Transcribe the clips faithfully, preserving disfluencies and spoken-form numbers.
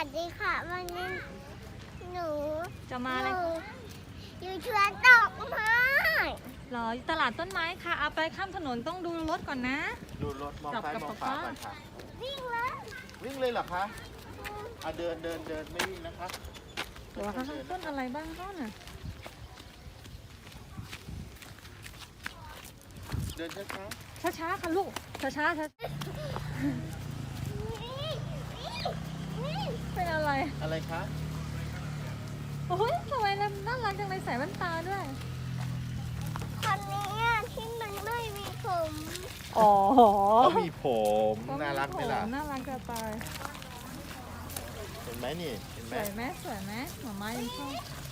วัสดีค่ะวันนี้หนูจะมาอะไรอยู่ชวนดอกไม้หรอตลาดต้นไม้ค่ะเอาไปข้ามถนนต้องดูรถก่อนนะดูรถมองซ้ายมองขวาก่อนค่ะวิ่งเลยวิ่งเลยเหรอคะอ่ะเดินเดินเดินไม่วิ่งนะคะเดี๋ยวค่ะต้นอะไรบ้างต้นอ่ะเดินช้าช้าช้าๆค่ะลูกช้าช้าช้าเป็นอะไรๆอะไรคะโอ้ยทำไมน่ารักจังเลยใส่แว่นตาด้วยคนนี้ที่มันไม่มีผมอ๋อเขามีผมน่ารักไหมล่ะน่ารักจะตายเห็นไหมนี่เห็นไหสมวยไหมสวยไหมหมาม้ายังชอบ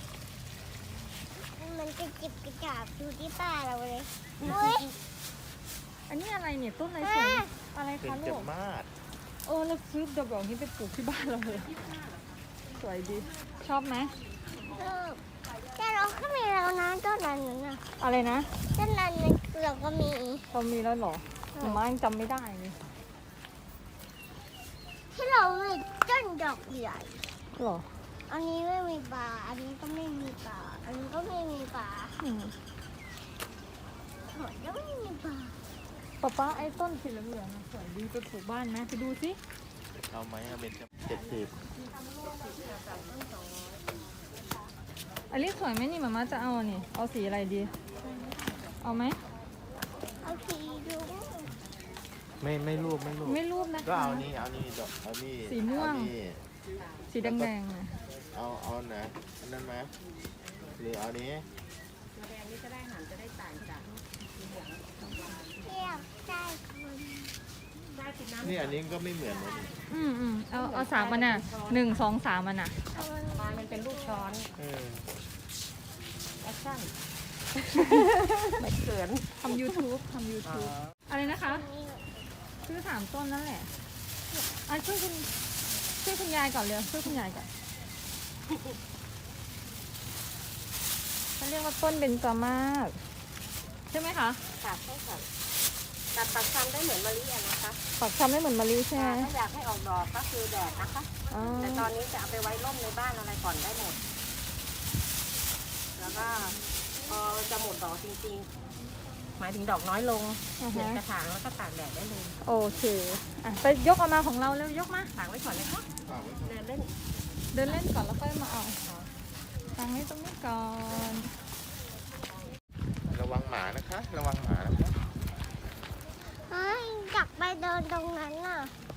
มันจะจิบกระจาบดูที่ป้าเราเลยเฮ้ยอันนี้อะไรเนี่ยต้นอะไรสวยอะไรเป็นคะจลูกมาศเออเราซื้อดอกแบบนี้ไปปลูกที่บ้านเราเลยสวยดีชอบไหมเออแต่เราก็มีแล้วนะต้นนั้นน่ะอะไรนะต้นนั้นเราก็มีเรามีแล้วเหรอหมาม้ายังจำไม่ได้เลยที่เรามีต้นดอกใหญ่หรออันนี้ไม่มีปลาอันนี้ก็ไม่มีปลาอันนี้ก็ไม่มีปลาอืมหมดแล้วไม่มีปลาป๊าป๊าไอ้ต้นสีเหลืองๆน่ะสวยดีไปปลูกบ้านไหมไปดูสิเอาไหมเอาเป็นเจ็ดสิบอันนี้สวยไหมนี่หมาม้าจะเอาอันนี่เอาสีอะไรดี เอาไหมเอาสีดูไม่ไม่รูปไม่รูปไม่รูปนะคะก็เอานี่เอานี่ดอกเอานี่สีม่วงเอานี่สีแดงๆนะเอาเอาไหนอันนั้นไหมหรือเอานี้เทียบได้คนนี่อันนี้ก็ไม่เหมือนนะนี่อืมอืมเอาเอาสามมันน่ะหนึ่งสองสามมันน่ะปลามันเป็นลูกช้อนเออแอคชั่น ไม่เขินทำ YouTube ทำ YouTube อะไรนะคะนี้ซื้อสามต้นนั่นแหละอ่ะช่วยคุณช่วยคุณยายก่อนเร็วช่วยคุณยายก่อนเขาเรียกว่าต้นเบญจมาศใช่ไหมคะค่ะใช่ค่ะตัดปักคำได้เหมือนมะลิอะนะคะปักชำได้เหมือนมะลิใช่ไหมถ้าอยากให้ออกดอกก็คือแดดนะคะอ๋อแต่ตอนนี้จะเอาไปไว้ร่มในบ้านอะไรก่อนได้หมด แล้วก็พอจะหมดดอกจริงๆ หมายถึงดอกน้อยลงอ่าเปลี่ยนฮะกระถางแล้วก็ตากแดดได้เลยโอเคอ่ะไปยกเอามาของเราเร็วยกมาตากไว้ก่อนเลยค่ะฝากไว้ก่อนเดินเล่นเดินเล่นก่อนแล้วค่อยมาเอาตั้งไว้ตรงนี้ก่อนระวังหมานะคะ ระวังหมานะคะเฮ้ยอยากไปเดินตรงนั้นน่ะ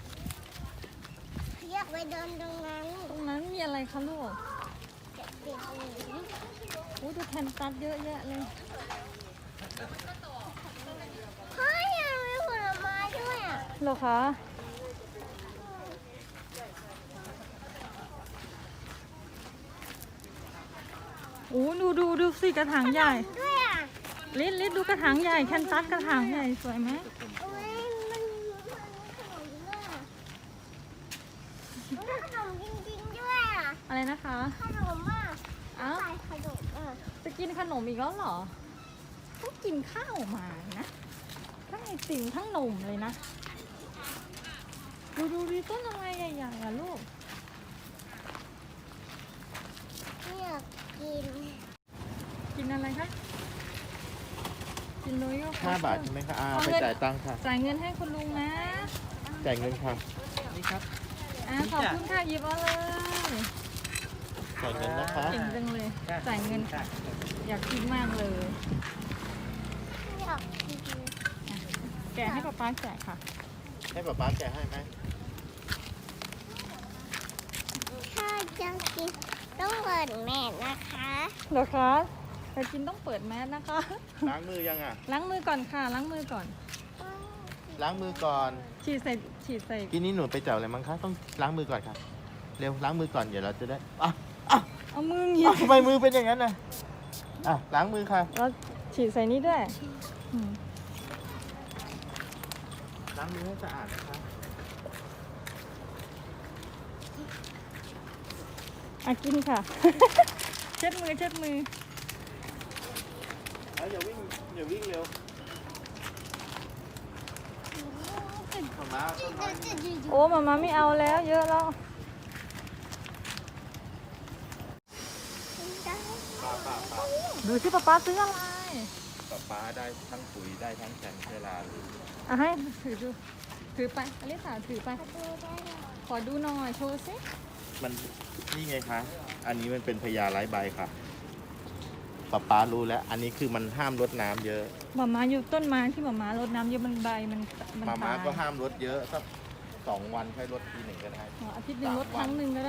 อยากไปเดินตรงนั้นตรงนั้นมีอะไรคะลูกเด็กๆนี้อู้ดูแทนตัดเยอะแยะเลยเฮ้ยยังมีผลไม้ด้วยอ่ะเหรอคะอู้ดูดูดูสิกระถางใหญ่ด้วยอ่ะลิดลิดดูกระถางใหญ่แคนตัสกระถางใหญ่สวยไหมเฮ้ยมันมันขนมด้วยอ่ะมันขนมจริงๆด้วยอ่ะอะไรนะคะขนมอ่ะอ้าวใส่ขนมอ่ะจะกินขนมอีกแล้วเหรอต้องกินข้าวมานะทั้งไอติมทั้งนมเลยนะ ดูดูดูต้นอะไรใหญ่ๆอ่ะลูกอยากกินกินอะไรคะกินโรโย่ห้าบาทใช่ไหมคะอาไปจ่ายตังค์ค่ะจ่ายเงินให้คุณลุงนะจ่ายเงินค่ะอ่าขอบคุณค่ะหยิบเอาเลยจ่ายเงินนะคะเก่งจังเลยจ่ายเงินค่ะอยากกินมากเลยอยากกินแกะให้ป๊าป๊าแกะค่ะให้ป๊าป๊าแกะให้ไหมถ้าจะกินต้องเปิดแมสนะคะเหรอคะแต่กินต้องเปิดแมสนะคะล้างมือยังอ่ะล้างมือก่อนค่ะ ล้างมือก่อนล้างมือก่อนฉีดใส่ฉีดใส่กินนี้หนูไปจับอะไรมั้งคะ ต้องล้างมือก่อนค่ะ เร็วล้างมือก่อนเดี๋ยวเราจะได้อ่ะอ่ะเอามือหยิอ่ะบทำไมมือเป็นอย่างนั้นน่ะอ่ะล้างมือค่ะแล้วฉีดใส่นี้ด้วยอืมล้างมือให้สะอาดนะคะอ่ะกินค่ะ เช็ดมือเช็ดมือแล้วอย่าวิ่งอย่าวิ่งเร็วมามาต้นไม้โอ้มามาไม่เอาแล้วเยอะแล้วดูสิป๊าป๊าซื้ออะไรป๊าป๊าได้ทั้งปุ๋ยได้ทั้งแสงเวลาเลยอ่ะให้ถือดูถือไปอลิสาถือไปดูได้เหรอขอดูหน่อยโชว์สิมันนี่ไงคะ อันนี้มันเป็นพญาไร้ใบค่ะป๊าป๊ารู้แล้ว อันนี้คือมันห้ามรดน้ำเยอะหมาม้าอยู่ต้นไม้ที่หมาม้ารดน้ำเยอะมันใบมันมันมาม่าตายก็ห้ามรดเยอะสักสองวันค่อยรดทีหนึ่งก็ได้อ๋ออาทิตย์หนึ่งรดครั้งหนึ่งก็ได้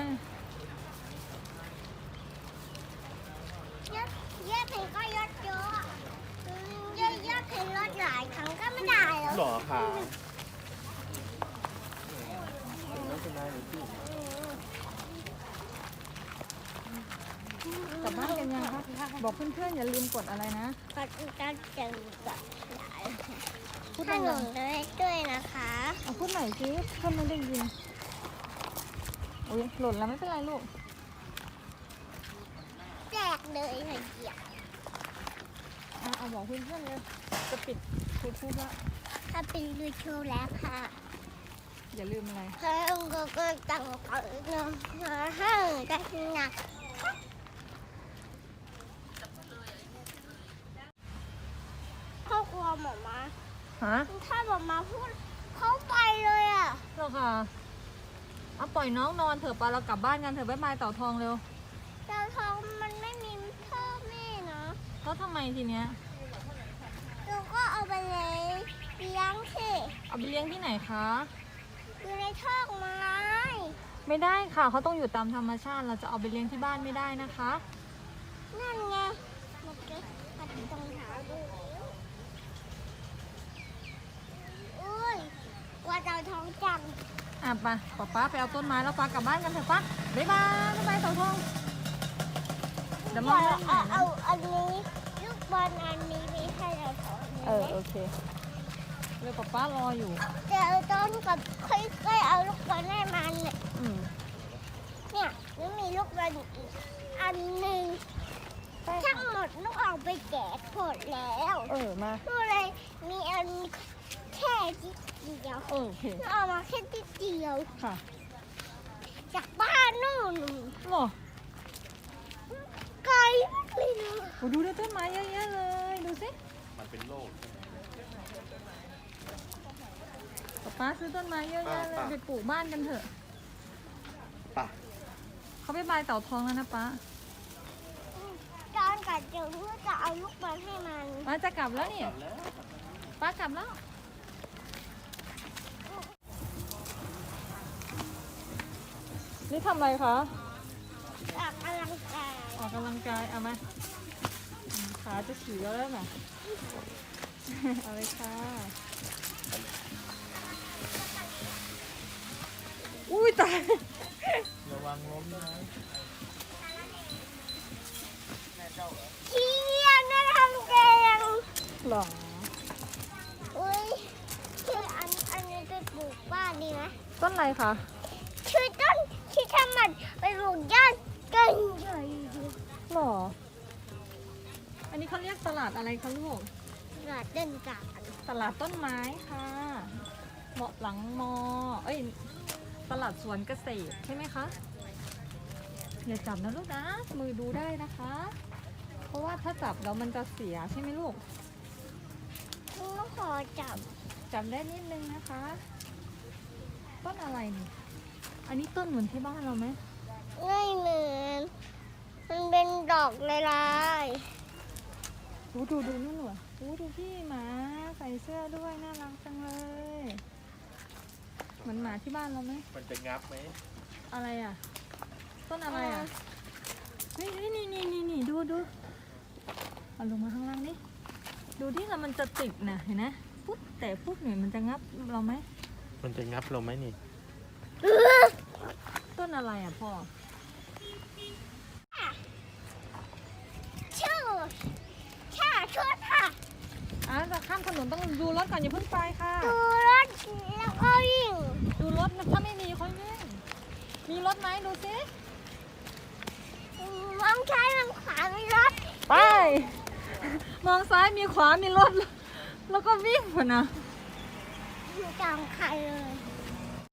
ยอดยอดเพลงก็ยอดเยอะอืมยอดยอดเพลงยอดหลายครั้งก็ไม่ได้แล้วหรอคะกลับบ้านกันยังคะบอกเพื่อนๆอย่าลืมกดอะไรนะก็จะเจอกับพูดขดังนมด้วยด้วยนะคะๆเอาพูดใหม่สิเพื่อนไม่ได้ยินโอ้ยหล่นแล้วไม่เป็นไรลูกแจกเลยค่ะเดียวอ่ะเอาบอกเพื่อนๆเลยจะปิดพูดพูดละถ้าเป็นดูโชว์แล้วค่ะอย่าลืมอะไรเพิ่มก็ก็ตั้งเอาเงินมาให้ได้หนักครอบครัวหมอมาฮะถ้าหมอมาพูดเขาไปเลยอ่ะเหรอคะเอาปล่อยน้องนอนเถอะปะเรากลับบ้านกันเถอะบ๊ายบายเต่าทองเร็วดาวทองมันไม่มีพ่อแม่เนาะแล้วทำไมทีเนี้ยเราก็เอาไปเลยเลี้ยงสิเอาไปเลี้ยงที่ไหนคะอยู่ในทอกไม้ไม่ได้ค่ะเขาต้องอยู่ตามธรรมชาติเราจะเอาไปเลี้ยงที่บ้านไม่ได้นะคะนั่นไงมันก็ปัดตรงเท้าดูอุ้ยว่าดาวทองจังอ่ะไปป๊าป๊าไปเอาต้นไม้แล้วป๊ากลับบ้านกันเถอะป๊าบ๊ายบายบ๊ายบายเต่าทองเดี๋ยวมองเอาเรื่องใหม่เอานะเอาอันนี้ลูกบอลอันนี้ไปให้ดาวทองเออโอเคเร็วป๊าป๊ารออยู่เดี๋ยวต้นกับค่อยๆเอาลูกบอลให้มันเนี่ยอืมเนี่ยแล้วมีลูกบอลอีกอันหนึ่งทั้งหมดลูกเอาไปแจกหมดแล้วเออมาก็เลยมีอันแค่นิดเดียวเออโอเคเอามาแค่นิดเดียวค่ะจากบ้านนู่นหรอไกลมากเลยนะโอ้ดูด้วยต้นไม้เยอะแยะเลยดูสิมันเป็นโรคป๊าป๊าซื้อต้นไม้เยอะแยะเลยป่ะไปปลูกบ้านกันเถอะป่ะเขาไปบายเต่าทองแล้วนะป๊าตอนกัดเจอเพื่อจะเอาลูกบอลให้มันป๊าจะกลับแล้วนี่ป๊ากลับแล้วนี่ทำอะไรคะออกกำลังกายออกกำลังกายเอามาอืมขาจะฉี่แล้วแล้วน่ะ เอาเลยค่ะ อุ้ยตายระวังล้มนะขี้เกียจนะทำเกงหรออุ้ยชื่ออันอันนี้ไปปลูกบ้านดีไหมต้นอะไรคะชื่อต้นที่ทำมันไปปลูกย่านกันใหญ่หรอ อันนี้เขาเรียกตลาดอะไรคะลูกหลาดเดินการตลาดต้นไม้ค่ะ เหมาะหลังมอ เอ้ย ตลาดสวนเกษตรใช่ไหมคะ อย่าจับนะลูกนะ มือดูได้นะคะ เพราะว่าถ้าจับแล้วมันจะเสียใช่ไหมลูกลูกขอจับจับได้นิดนึงนะคะ ต้นอะไรนี่ อันนี้ต้นเหมือนที่บ้านเราไหมไม่เหมือนมันเป็นดอกลายๆดูดูดูนู่นหน่อยดูดูพี่หมาใส่เสื้อด้วยน่ารักจังเลย เหมือนหมาที่บ้านเราไหมมันจะงับไหมอะไรอ่ะ ต้นอะไรอ่ะนี่นี่นี่นี่นี่นี่ดูดูเอาลงมาข้างล่างนี่ดูที่แล้วมันจะติดนะเห็นไหมปุ๊บแต่ปุ๊บเนี่ยมันจะงับเราไหมมันจะงับเราไหมนี่ต้นอะไรอ่ะพ่อชื่อช่าชุดค่ะอ่ะจะข้ามถนนต้องดูรถก่อนอย่าเพิ่งไปค่ะดูรถแล้วก็วิ่งดูรถนะถ้าไม่มีค่อยวิ่งมีรถไหมดูสิมองซ้ายมองขวามีรถไป มองซ้ายมีขวามีรถ แล้วก็วิ่งพอนะอยู่กลางใครเลย